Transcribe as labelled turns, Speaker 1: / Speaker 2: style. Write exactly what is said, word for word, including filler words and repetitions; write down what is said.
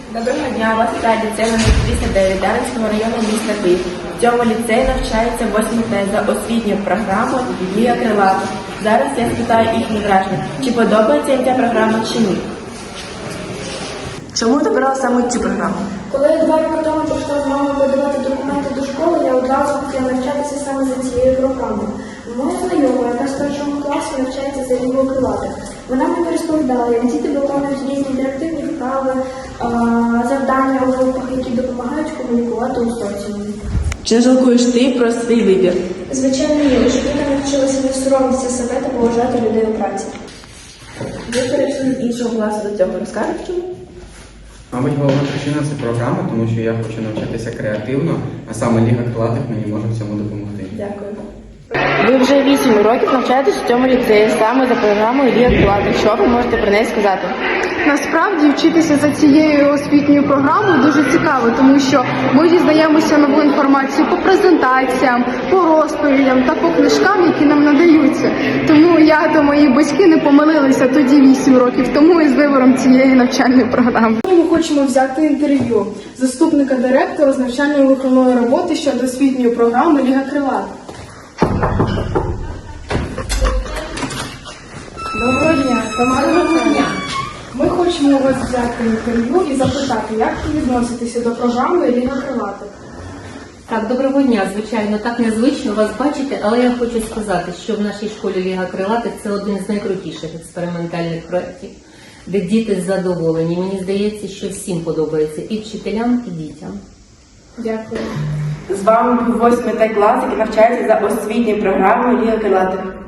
Speaker 1: Доброго дня, вас вітає ліцей номер тридцять дев'ять Дарницького району міста Київ. В цьому ліцеї навчається восьмий Т за освітньою програмою «Ліга крилатих». Зараз я спитаю їхні враження, чи подобається їм ця програма, чи ні. Чому ти обрала саме цю програму?
Speaker 2: Коли я два роки тому прийшла з мамою подавати документи до школи, я одразу хотіла навчатися саме за цією програмою. Моя знайома, яка з першого класу навчається за Лігою крилатих. Вона мені розповідала, як діти виконують різні інтерактивні вправи, завдання у групах, які допомагають комунікувати у соціумі.
Speaker 1: Чи не жалкуєш ти про свій вибір?
Speaker 2: Звичайно, ні, щоб я навчилася не соромитися себе та поважати людей у праці.
Speaker 1: Ви перейшли з іншого класу до цього. Розкажеш чому?
Speaker 3: Мабуть, головна причина – це програма, тому що я хочу навчатися креативно, а саме Ліга крилатих мені може в цьому допомогти.
Speaker 1: Дякую. Ви вже вісім років навчаєтесь в цьому ліцеї саме за програмою «Ліга крилатих». Що ви можете про неї сказати?
Speaker 4: Насправді вчитися за цією освітньою програмою дуже цікаво, тому що ми дізнаємося нову інформацію по презентаціям, по розповідям та по книжкам, які нам надаються. Тому я та мої батьки не помилилися тоді вісім років тому із вибором цієї навчальної програми.
Speaker 5: Ми хочемо взяти інтерв'ю заступника директора з навчально-виховної роботи щодо освітньої програми «Ліга крилатих». Доброго дня, Тамара. Доброго дня. Ми хочемо у вас взяти інтерв'ю і запитати, як ви відноситеся до програми «Ліга крилатих».
Speaker 6: Так, доброго дня, звичайно, так незвично вас бачити, але я хочу сказати, що в нашій школі «Ліга крилатих» – це один з найкрутіших експериментальних проєктів, де діти задоволені. Мені здається, що всім подобається, і вчителям, і дітям.
Speaker 5: Дякую.
Speaker 1: З вами був восьмий Т клас, який навчається за освітньою програмою «Ліга крилатих».